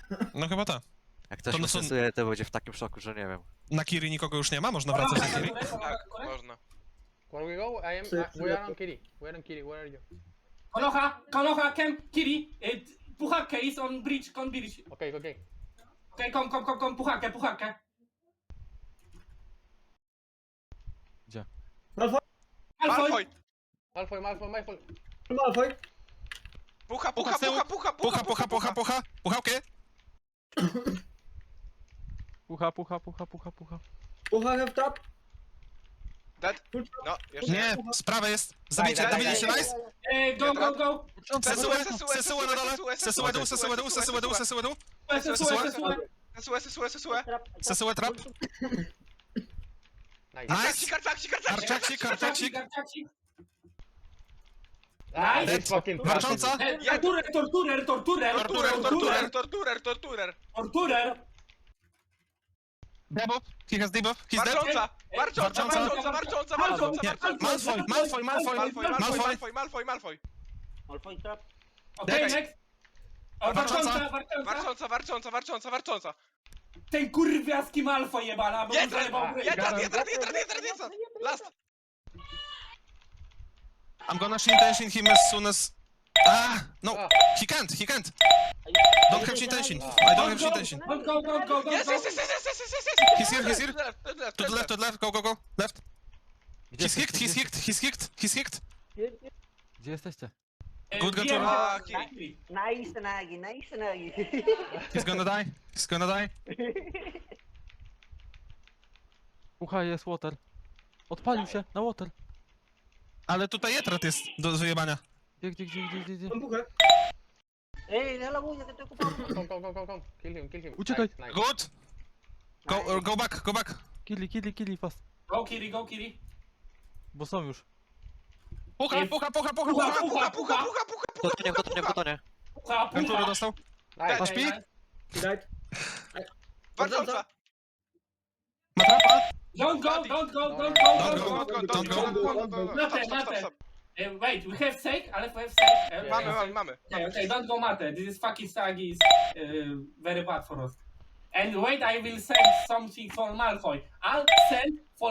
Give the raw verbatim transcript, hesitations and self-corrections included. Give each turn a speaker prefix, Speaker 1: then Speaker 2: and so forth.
Speaker 1: No chyba tak.
Speaker 2: Jak ktoś
Speaker 1: To
Speaker 2: to
Speaker 1: no są-
Speaker 2: stosuje, to będzie w takim szoku, że nie wiem.
Speaker 1: Na Kiri nikogo już nie ma? Można wracać na Kiri?
Speaker 3: Tak, można.
Speaker 4: Where we go? I am.
Speaker 5: Psy,
Speaker 4: I,
Speaker 5: psy,
Speaker 4: we are
Speaker 5: psy.
Speaker 4: on Kiri. We are on Kiri. Where are you?
Speaker 6: Konoha, Konoha, Kem, Kiri, y, Puchake is on bridge, on bridge.
Speaker 4: Okay, okay.
Speaker 6: Okej, kom, kom, kom, kom, Puchake, Puchake.
Speaker 5: Malfoy,
Speaker 6: Malfoy.
Speaker 3: Malfoy!
Speaker 4: Malfoy, Malfoy, Malfoy.
Speaker 5: Malfoy.
Speaker 3: Pucha, pucha,
Speaker 1: z tyłu.
Speaker 3: pucha, pucha,
Speaker 1: Pucha, pucha, pucha, pucha! Puchałkę!
Speaker 7: Pucha, pucha, pucha, pucha, pucha.
Speaker 5: Pucha have trap.
Speaker 3: Dead?
Speaker 5: Full trap.
Speaker 3: No, jeszcze
Speaker 1: Nie, sprawa jest! Zabijcie,
Speaker 3: Daj, daj,
Speaker 1: dowiedzieliście
Speaker 3: daj.
Speaker 1: nice?
Speaker 6: E, go, go, go.
Speaker 1: Sesułę,
Speaker 3: Sesułę,
Speaker 1: sesułę na dole!
Speaker 3: sesułę,
Speaker 1: Sesułę dół, sesułę dół, sesułę dół, sesułę dół!
Speaker 6: Sesułę,
Speaker 1: Sesułę?
Speaker 6: sesułę.
Speaker 3: Sesułę, sesułę, sesułę.
Speaker 1: Sesułę trap!
Speaker 4: Nice.
Speaker 1: Nice!
Speaker 3: Karcik, karcik, karcik,
Speaker 1: Arczaksik,
Speaker 6: Karczacik,
Speaker 1: arczaksik!
Speaker 6: karczacik.
Speaker 4: Ah,
Speaker 6: Nice.
Speaker 4: this fucking
Speaker 1: Warcząca!
Speaker 6: E, Torturer, torturer, torturer,
Speaker 3: Torturer, torturer,
Speaker 6: torturer,
Speaker 3: torturer, torturer.
Speaker 6: torturer.
Speaker 1: Debuff! He has debuff! He's dead!
Speaker 3: Warcząca, warcząca,
Speaker 1: Warcząca.
Speaker 3: warcząca, warcząca, warcząca,
Speaker 1: Nie,
Speaker 3: warcząca.
Speaker 1: Malfoy, Malfoy, Malfoy!
Speaker 3: Malfoy, Malfoy,
Speaker 1: Malfoy!
Speaker 3: Malfoy, Malfoy, Malfoy.
Speaker 6: Okej,
Speaker 1: Next.
Speaker 6: next. O,
Speaker 1: Warcząca.
Speaker 6: warcząca, warcząca.
Speaker 3: Warcząca, warcząca, warcząca, warcząca.
Speaker 6: Ten kurwiaski Malfoy jebana, bo mu
Speaker 3: Jeden,
Speaker 6: zajebał gry.
Speaker 3: jeden, jeden, jeden, jeden, jeden. Last.
Speaker 1: I'm gonna shin tension him as soon as... Ah! No!
Speaker 4: Ah.
Speaker 1: He can't, he can't! Don't have shin tension! I don't have shin tension!
Speaker 6: Don't go, don't go, don't
Speaker 3: Yes,
Speaker 6: go.
Speaker 3: yes, yes, yes, yes, yes, yes, yes.
Speaker 1: He's here, he's here.
Speaker 3: Left, left, left,
Speaker 1: To the left, to the left, go, go, go! Left!
Speaker 2: Gdzie
Speaker 1: He's hicked, he's
Speaker 2: jesteście?
Speaker 1: hicked, he's hicked, he's hicked!
Speaker 2: Gdzie jesteście?
Speaker 6: E,
Speaker 1: Good
Speaker 6: wiem,
Speaker 1: control.
Speaker 3: Ah,
Speaker 6: że-
Speaker 3: Kiri.
Speaker 8: Nice Nagi, nice Nagi.
Speaker 1: He's gonna die, he's gonna die.
Speaker 7: Pucha jest water. Odpalił się na water.
Speaker 1: Ale tutaj Jetrat jest do wyjebania.
Speaker 7: Gdzie, gdzie, gdzie, gdzie, gdzie, gdzie?
Speaker 5: Mam puchę.
Speaker 8: Ey, deja la bulla que estoy ocupado.
Speaker 4: Come, come, come, come, come. Kill him, kill him.
Speaker 7: Uciekaj.
Speaker 4: Nice, nice.
Speaker 1: Good! Go, uh, go back, go back!
Speaker 7: Killi, killi, killi fast.
Speaker 6: Go Kiri, go Kiri.
Speaker 7: Bo są już.
Speaker 1: Pucha, pucha, pucha, pucha,
Speaker 6: Pucha,
Speaker 1: pucha!
Speaker 3: Pucha, pucha, pucha, pucha,
Speaker 2: W tonie, w tonie, w tonie.
Speaker 6: Pucha,
Speaker 1: Ventury
Speaker 6: pucha.
Speaker 1: dostał.
Speaker 4: Nice.
Speaker 1: Masz pik?
Speaker 5: He died.
Speaker 3: Warcząca.
Speaker 1: Ma trapa?
Speaker 6: Don't go, don't go, don't go,
Speaker 1: Don't
Speaker 6: don't
Speaker 1: go.
Speaker 6: go.
Speaker 3: Don't go, don't go.
Speaker 6: Mate,
Speaker 3: Stop, stop,
Speaker 6: mate.
Speaker 3: stop.
Speaker 6: Eh, wait, we have sake, ale we have sake. Eh,
Speaker 3: Mamy, mamy, mamy.
Speaker 6: Okay, okay, don't go mate. This is fucking Sagi is uh, very bad for us. And wait, I will send something for Malfoy. I'll send for